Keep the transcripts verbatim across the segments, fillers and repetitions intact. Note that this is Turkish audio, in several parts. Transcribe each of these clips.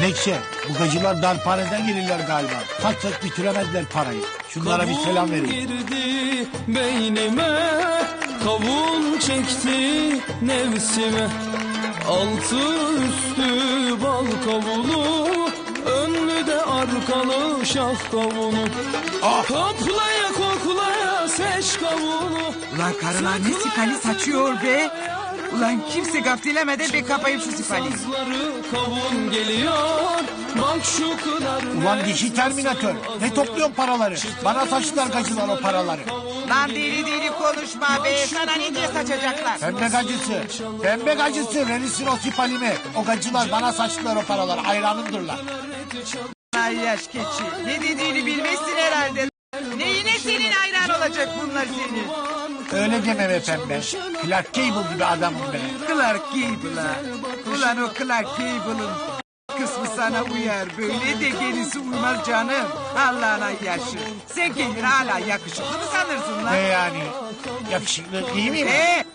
Menekşe, bu gacılar darphaneden gelirler galiba. Saç saç bitiremezler parayı. Şunlara bir selam verin. Girdi beynime, kavun çekti nefsime. Altı üstü bal kavunu, önlü de arkalı şah kavunu. Ah! Koklaya koklaya seç kavunu. Ulan karılar ne sipali saçıyor be. Ulan kimse gaftilemeden be kapayım şu sipali. Sazları kavun geliyor, bak şu kadar. Ulan dişi terminatör. Ne topluyorsun paraları? Bana saçtılar gacılar o paraları. Lan deli deli konuşma be. Sana ne diye saçacaklar? Pembe gacısı. Pembe gacısı. Verirsin o sipalimi. O gacılar bana saçtılar o paraları. Hayranımdırlar. Ay yaş keçi. Ne dediğini bilmezsin herhalde. Neyine senin hayran olacak bunlar senin? Öyle deme be pembe. Clark Gable gibi adamım be. Clark Gable'a. Ulan o Clark Gable'ın kısmı sana uyar. Böyle de gerisi uymaz canım. Allah'ına yaşı. Sen kendini hala yakışıklı mı sanırsın lan? Ne yani? Yakışıklı değil miyim? Ee?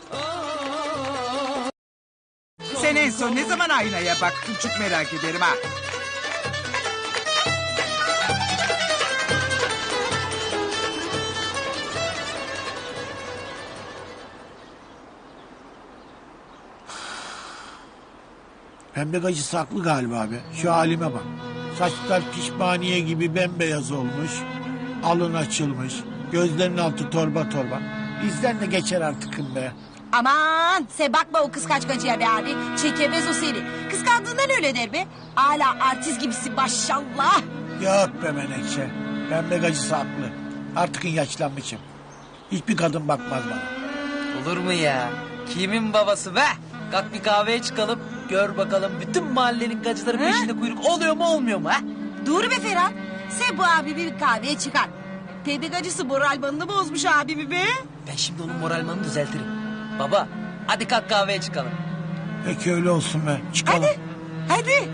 Sen en son ne zaman aynaya baktın çok merak ederim ha. Pembe gacısı haklı galiba abi. Şu halime bak. Saçlar pişmaniye gibi bembeyaz olmuş. Alın açılmış. Gözlerinin altı torba torba. Bizden de geçer artıkım be. Aman sen bakma o kıskaç gacıya be abi. Çekemez o seni. Kıskandığından öyle der be. Hala artist gibisin maşallah. Yok be Menekşe. Pembe gacısı haklı. Artık yaşlanmışım. Hiçbir kadın bakmaz bana. Olur mu ya? Kimin babası be? Kalk bir kahveye çıkalım. Gör bakalım bütün mahallenin gacıları peşinde kuyruk oluyor mu olmuyor mu ha? Dur be Ferhat. Sen bu abi bir kahveye çıkar. Pembe gacısı moral bandını bozmuş abimi be. Ben şimdi onun moralmanı düzeltirim. Baba hadi kalk kahveye çıkalım. Peki öyle olsun be. Çıkalım. Hadi. Hadi.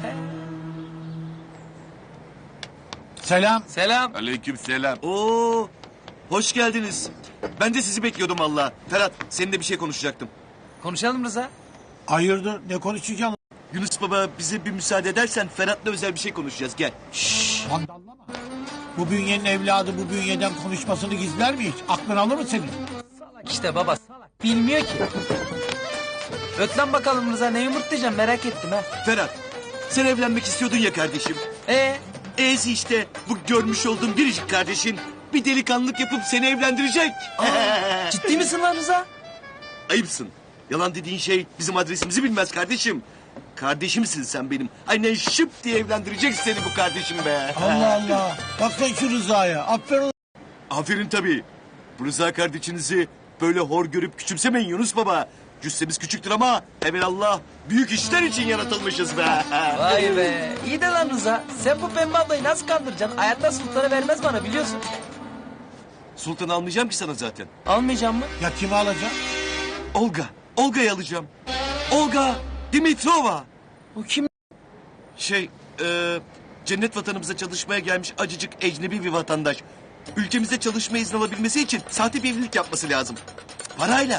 Selam. Selam. Aleykümselam. Oo, hoş geldiniz. Ben de sizi bekliyordum valla. Ferhat, seninle bir şey konuşacaktım. Konuşalım Rıza. Hayırdır ne konuşacaksın? Yunus baba bize bir müsaade edersen Ferhat'la özel bir şey konuşacağız. Gel. Vandallama. Bu bünyenin evladı bu bünyeden konuşmasını gizler mi hiç? Aklın alır mı senin? İşte baba salak. Bilmiyor ki. Öt lan bakalım Rıza ne yumurtlayacağım merak ettim ha. Ferhat, sen evlenmek istiyordun ya kardeşim. Ee, E'si işte bu görmüş olduğum biricik kardeşin bir delikanlılık yapıp seni evlendirecek. ciddi misin lan Rıza? Ayıpsın. Yalan dediğin şey bizim adresimizi bilmez kardeşim. Kardeşimsin sen benim. Aynen şıp diye evlendirecek seni bu kardeşim be. Allah Allah. Bak sen şu Rıza'ya. Aferin. Aferin tabii. Bu Rıza kardeşinizi böyle hor görüp küçümsemeyin Yunus baba. Cüssemiz küçüktür ama evelallah büyük işler için yaratılmışız be. Vay be. İyi de lan Rıza. Sen bu pembe ablayı nasıl kandıracaksın? Hayatta sultanı vermez bana biliyorsun. Sultan almayacağım ki sana zaten. Almayacağım mı? Ya kimi alacaksın? Olga. Olga'yı alacağım. Olga Dimitrova. O kim? Şey, e, cennet vatanımıza çalışmaya gelmiş acıcık ecnebi bir vatandaş. Ülkemizde çalışma izni alabilmesi için sahte bir evlilik yapması lazım. Parayla.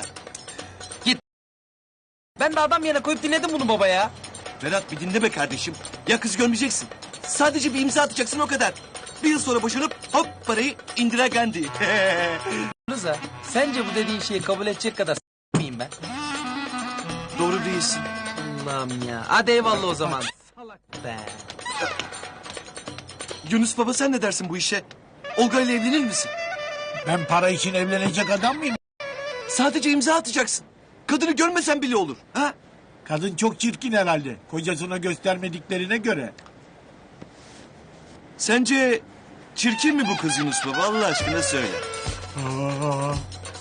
Ben de adam yerine koyup dinledim bunu baba ya. Ferhat bir dinle be kardeşim. Ya kız görmeyeceksin. Sadece bir imza atacaksın o kadar. Bir yıl sonra boşanıp hop parayı Indira Gandhi. Rıza sence bu dediğin şeyi kabul edecek kadar s- miyim ben? Doğru değilsin. Allah'ım ya. Hadi eyvallah o zaman. Salak be. Yunus baba sen ne dersin bu işe? Olga ile evlenir misin? Ben para için evlenecek adam mıyım? Sadece imza atacaksın. Kadını görmesen bile olur. Ha? Kadın çok çirkin herhalde. Kocasına göstermediklerine göre. Sence çirkin mi bu kız Yunus baba? Allah aşkına söyle. Aa.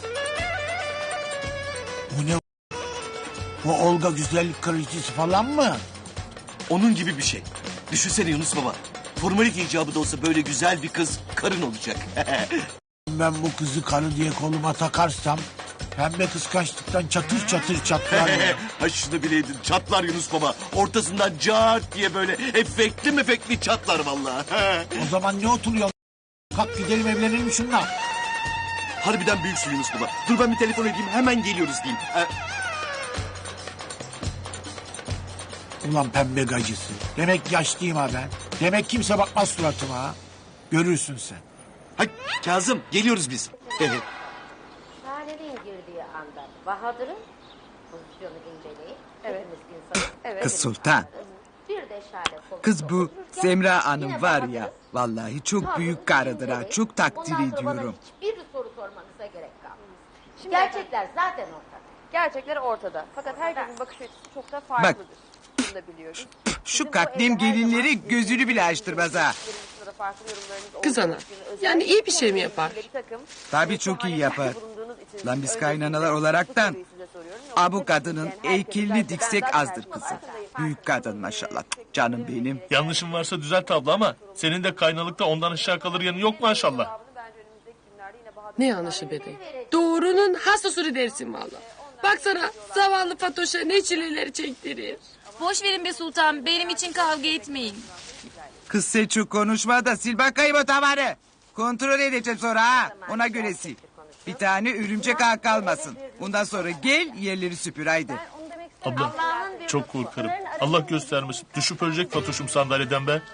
Bu ne? Bu Olga güzellik kraliçesi falan mı? Onun gibi bir şey. Düşünsene Yunus baba. Formalite icabı da olsa böyle güzel bir kız karın olacak. Ben bu kızı karı diye koluma takarsam... Pembe kıskançlıktan çatır çatır çatlar. Ha şunu bileydin çatlar Yunus baba. Ortasından cart diye böyle efektli mefekli çatlar vallahi. O zaman ne oturuyor? Kalk gidelim evlenelim şunla. Harbiden büyüksün Yunus baba. Dur ben bir telefon edeyim hemen geliyoruz diyeyim. Ha, Ulan pembe gacısı. Demek yaşlıyım ha ben. Demek kimse bakmaz suratıma ha. Görürsün sen. Hay Kazım geliyoruz biz. Şahanenin girdiği anda Bahadır'ın pozisyonu inceleyip hepimiz insanız. Kız Sultan. Bir de Şahane koltuğunda Kız bu otururken Semra Hanım yine var Bahadır'ın ya. Vallahi çok tavrını büyük karıdır ha. inceleyip Çok takdir bundan sonra bana ediyorum. hiçbir soru sormanıza gerek kalmaz. Gerçekler zaten ortada. Gerçekler ortada. Fakat herkesin bakış açısı çok da farklıdır. Bunu da biliyoruz. Şu kaknem gelinleri gözünü bile açtırmaz ha. Kız ana, yani iyi bir şey mi yapar? Tabii çok iyi yapar. Lan biz kaynanalar olaraktan a bu kadının heykelini diksek azdır kızım. Büyük kadın maşallah. Canım benim. Yanlışım varsa düzelt abla ama senin de kaynalıkta ondan aşağı kalır yanı yok maşallah. Ne yanlışı bebeğim? Doğrunun has usulü dersin valla. Baksana zavallı Fatoş'a ne çileleri çektirir. Boş verin be sultan. Benim için kavga etmeyin. Kız sen çok konuşma da sil bakayım o tavanı. Kontrol edeceğim sonra ha. Ona göre sil. Bir tane örümcek ağ kalmasın. Ondan sonra gel yerleri süpür haydi. Abla çok korkarım. Allah göstermesin. Düşüp ölecek Fatoş'um sandalyeden be.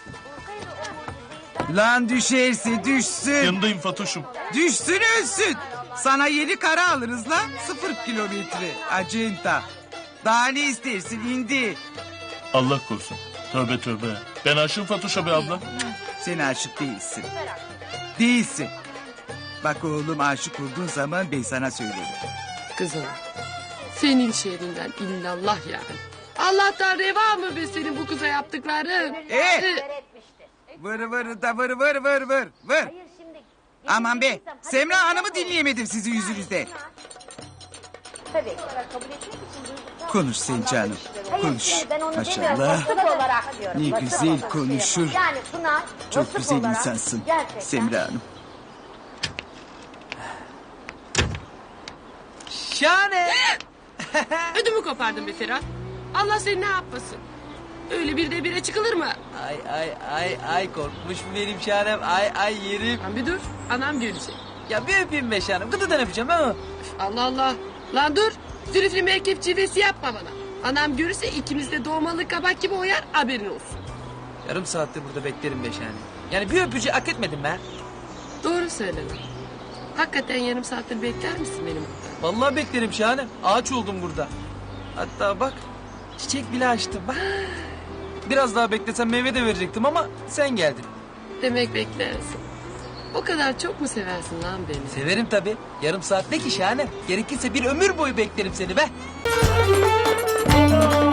Lan düşerse düşsün. Yanındayım Fatoş'um. Düşsün ölsün. Sana yeni kara alırız lan. Sıfır kilometre. Acenta. Daha ne istersin indi. Allah korusun. Tövbe tövbe. Ben aşığım Fatoş'a be abla. Sen aşık değilsin. Değilsin. Bak oğlum aşık olduğun zaman ben sana söylerim. Kız ana, senin şerrinden illallah yani. Allah'tan reva mı be senin bu kıza yaptıkların? Ee? Ee, Vır vır da vır vır vır vır vır. Aman be Semra Hanım'ı dinleyemedim sizin yüzünüzden. Tabii kabul etmek için duygusal... Konuş sen canım. Konuş. Hayır, ben onu Maşallah. demiyorum. Vasıf olarak diyorum. Ne Vasıf güzel olarak konuşur. diyorum. Yani Pınar Çok vasıf güzel olarak insansın gerçekten- Semra Hanım. Şahane. ödümü kopardın be Ferhat. Allah seni ne yapmasın? Öyle bir de bire çıkılır mı? Ay ay ay ay korkmuş mu benim şahanem? Ay ay yerim. Lan bir dur, anam görecek. Ya bir öpeyim be şahanem. Gıdıdan öpeceğim ha. Allah Allah. Lan dur. Zülüflü merkep cilvesi yapma bana. Anam görürse ikimiz de doğmalı kabak gibi oyar haberin olsun. Yarım saattir burada beklerim be şahanem. Yani bir öpücüğü hak etmedim ben. Doğru söyle lan. Hakikaten yarım saattir bekler misin benim orada? Vallahi beklerim şahanem. Ağaç oldum burada. Hatta bak çiçek bile açtım. Bak. Biraz daha beklesem meyve de verecektim ama sen geldin. Demek beklersin. O kadar çok mu seversin lan beni? Severim tabii. Yarım saat ne ki şahanem? Gerekirse bir ömür boyu beklerim seni be.